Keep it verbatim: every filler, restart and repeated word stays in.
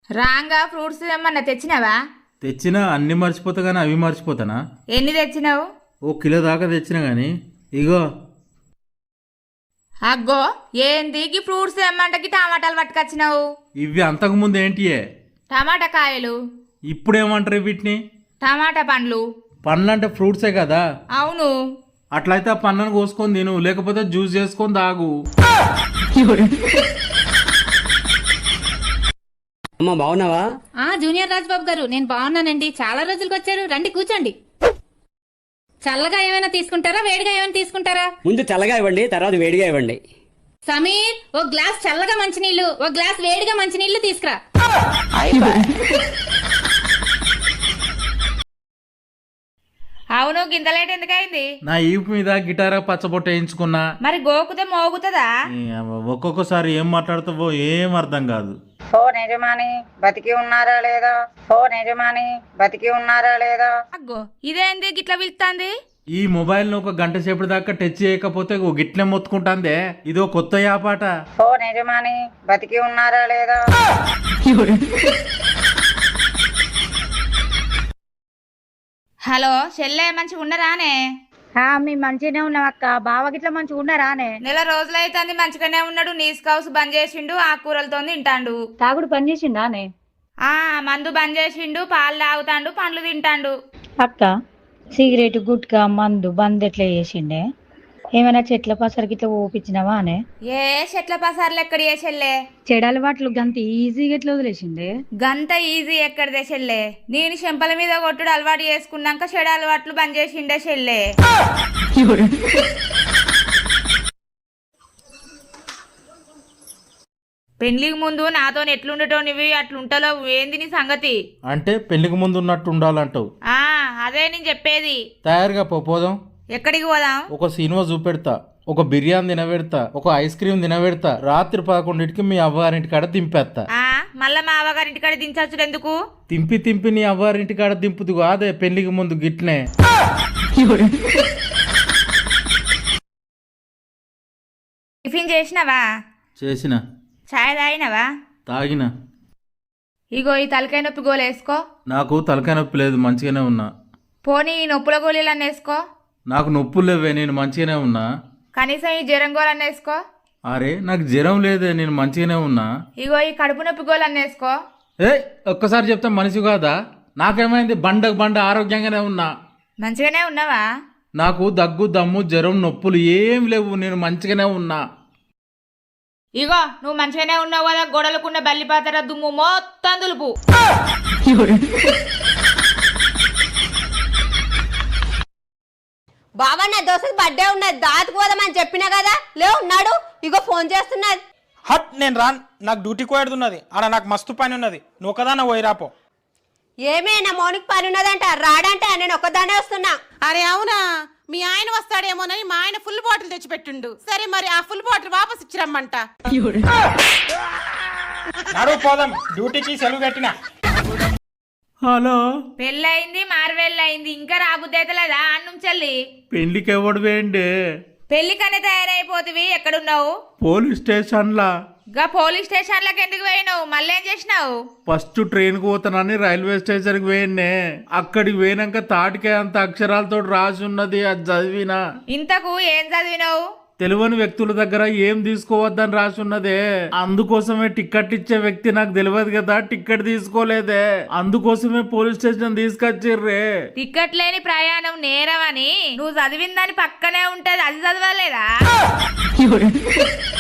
రాంగా ఫ్రూట్స్ ఏమన్నా తెచ్చినావా? తెచ్చినా అన్ని మర్చిపోతా కానీ అవి మర్చిపోతానా? ఎన్ని తెచ్చినావు? ఓ కిలో దాకా తెచ్చినా కానీ ఇగో. అగ్గో ఏంది గీ ఫ్రూట్స్ ఏమంటకి టమాటాలు పట్టుకొచ్చినావు? ఇవి అంతకుముందు ఏంటియే? టమాటా కాయలు. ఇప్పుడేమంటారు వీటిని? టమాటా పండ్లు. పండ్లు అంటే ఫ్రూట్సే కదా? అవును. అట్లయితే ఆ పండ్లను కోసుకొని తిను, లేకపోతే జ్యూస్ చేసుకొని తాగు. అమ్మా బాగున్నావా? ఆ జూనియర్ రాజ్బాబు గారు నేను బాగున్నానండి. చాలా రోజులకు వచ్చారు, రండి కూర్చోండి. చల్లగా ఏమైనా తీసుకుంటారా, వేడిగా ఏమైనా తీసుకుంటారా? ముందు చల్లగా ఇవ్వండి, తర్వాత వేడిగా ఇవ్వండి. సమీర్, ఓ గ్లాస్ చల్లగా మంచినీళ్లు, ఓ గ్లాస్ వేడిగా మంచినీళ్లు తీసుకురా. అవును, గింత లేట్ ఎందుకైంది? నా ఈపు మీద గిటారా పచ్చబొట్ట వేయించుకున్నా. మరి గోకుతే మోగుతుందా? ఈ అవ్వ, ఒక్కొక్కసారి ఏం మాట్లాడుతావో ఏం అర్థం కాదు. ఫోన్ యజమాని బతికి ఉన్నారా లేదా? ఫోన్ యజమాని బతికి ఉన్నారా లేదా? అగ్గో ఇదేంది గిట్లా పిలుస్తాంది? ఈ మొబైల్ ను ఒక గంట సేపటి దాకా టచ్ చేయకపోతే ఓ గిట్లే మొత్తుకుంటాందే. ఇదో కొత్త యాపాట. ఫోన్ యజమాని బతికి ఉన్నారా లేదా? హలో చెల్లె, మంచిగా ఉన్నరానే? మీ మంచిగానే ఉన్నాం అక్క. బావ గిట్ల మంచిగా ఉన్నారానే? నెల రోజులైతుంది మంచిగానే ఉన్నాడు. నీస్ కౌస్ బంద్ చేసిండు, ఆకుకూరలతో తింటాండు. తాగుడు పని చేసిందానే? ఆ మందు బంద్ చేసిండు, పాలు తాగుతాండు, పండ్లు తింటాండు. అక్క సిగరెట్ గుట్కా మందు బంద్ ఎట్లా చేసిండే? ఏమైనా చెట్ల పసరికి ఇట్లా ఓపించినావా అనే? ఏ చెట్ల పసార్లు ఎక్కడ ఏ చెల్లె? చెడు అలవాట్లు గంత ఈజీగా ఎట్లా వదిలేసిండే? గంత ఈజీ ఎక్కడిదే చెల్లె? నేను చెంపల మీద కొట్టుడు అలవాటు చేసుకున్నాక చెడు అలవాట్లు బంద్ చేసిండే చెల్లె. పెళ్లికి ముందు నాతో ఎట్లుండటో నువ్వు అట్లుంటలో ఏంది నీ సంగతి? అంటే పెళ్లికి ముందు ఉన్నట్టు ఉండాలంటావు? ఆ అదే నేను చెప్పేది. తయారుగా పో, పోదాం. ఎక్కడికి పోదాం? ఒక సినిమా చూపెడతా, ఒక బిర్యానీ తినబెడతా, ఒక ఐస్ క్రీమ్ తినబెడతా. రాత్రి పదకొండింటికి మీ అవ్వారింటి కాడ దింపేస్తా. ఆ మళ్ళా మా అవ్వగారింటి కాడ దించచ్చుడు ఎందుకు? తింపి తింపి నీ అవ్వారింటి కాడ దింపుదు అదే పెళ్లికి ముందు గిట్లే. టిఫిన్ చేసినావా? చేసిన. చాయ్ తాగినవా? తాగిన. ఇగో ఈ తలకాయ నొప్పి గోలు వేసుకో. నాకు తలకాయ నొప్పి లేదు, మంచిగానే ఉన్నా. పోనీ ఈ నొప్పుల గోళీలన్నీ వేసుకో. నాకు నొప్పులు లేవే, నేను మంచిగానే ఉన్నా. కనీసం ఈ జ్వరం గోళన్నీ వేసుకో. అరే నాకు జ్వరం లేదే, నేను మంచిగానే ఉన్నా. ఇగో ఈ కడుపు నొప్పి గోళన్నీ వేసుకో. ఏ ఒక్కసారి చెప్తా మనిషి కాదా? నాకేమైంది? బండకు బండ ఆరోగ్యంగానే ఉన్నా. మంచిగానే ఉన్నావా? నాకు దగ్గు దమ్ము జ్వరం నొప్పులు ఏం లేవు, నేను మంచిగానే ఉన్నా. ఇగో నువ్వు మంచిగానే ఉన్నావు కదా, గొడవలకున్న బల్లిపాతర దుమ్ము మొత్తం దులుపు. బాబా నా దోస్త్ బర్త్డే ఉన్నది, దాతుకు పోదామని చెప్పినా కదా, లేవు ఉన్నాడు. ఇగో ఫోన్ చేస్తున్నది. హట్ నేను రాన్, నాకు డ్యూటీ కోయడుతున్నది ఆడ, నాకు మస్తు పని ఉన్నది. నువ్వు ఒకదాన్న పోయిరాపో. ఏమే నా మౌనికి పని ఉన్నదంట, రాడంటే నేను ఒక్కదానే వస్తున్నా. అరే అవునా, మీ ఆయన వస్తాడేమోనని మా ఆయన ఫుల్ బాటిల్ తెచ్చిపెట్టిండు. సరే మరి ఆ ఫుల్ బాటిల్ వాపస్ ఇచ్చిరమ్మంట. నడువు పోదాం, డ్యూటీకి సెలవు పెట్టినా. హలో, పెళ్ళయింది మారువెళ్ళయింది, ఇంకా రాబుద్దైతలేదా అన్నుంచెల్లి? పెళ్లికి ఎవడు వేయండి? పెళ్లికనే తయారైపోతివి, ఎక్కడున్నావు? పోలీస్ స్టేషన్లా. గా పోలీస్ స్టేషన్లకు ఎందుకు పోయినావు? మళ్ళీ ఏం చేసినావు? ఫస్ట్ ట్రైన్కి పోతానని రైల్వే స్టేషన్కి పోయినే. అక్కడికి పోయినాక తాటికే అంత అక్షరాలతో రాసి ఉన్నది, అది చదివినా. ఇంతకు ఏం చదివినావు? తెలియని వ్యక్తుల దగ్గర ఏం తీసుకోవద్దని రాసి ఉన్నదే. అందుకోసమే టికెట్ ఇచ్చే వ్యక్తి నాకు తెలియదు కదా, టికెట్ తీసుకోలేదే. అందుకోసమే పోలీస్ స్టేషన్ తీసుకొచ్చిర్రే. టికెట్ లేని ప్రయాణం నేరం అని నువ్వు చదివిన దాని పక్కనే ఉంటది, అది చదవలేదా?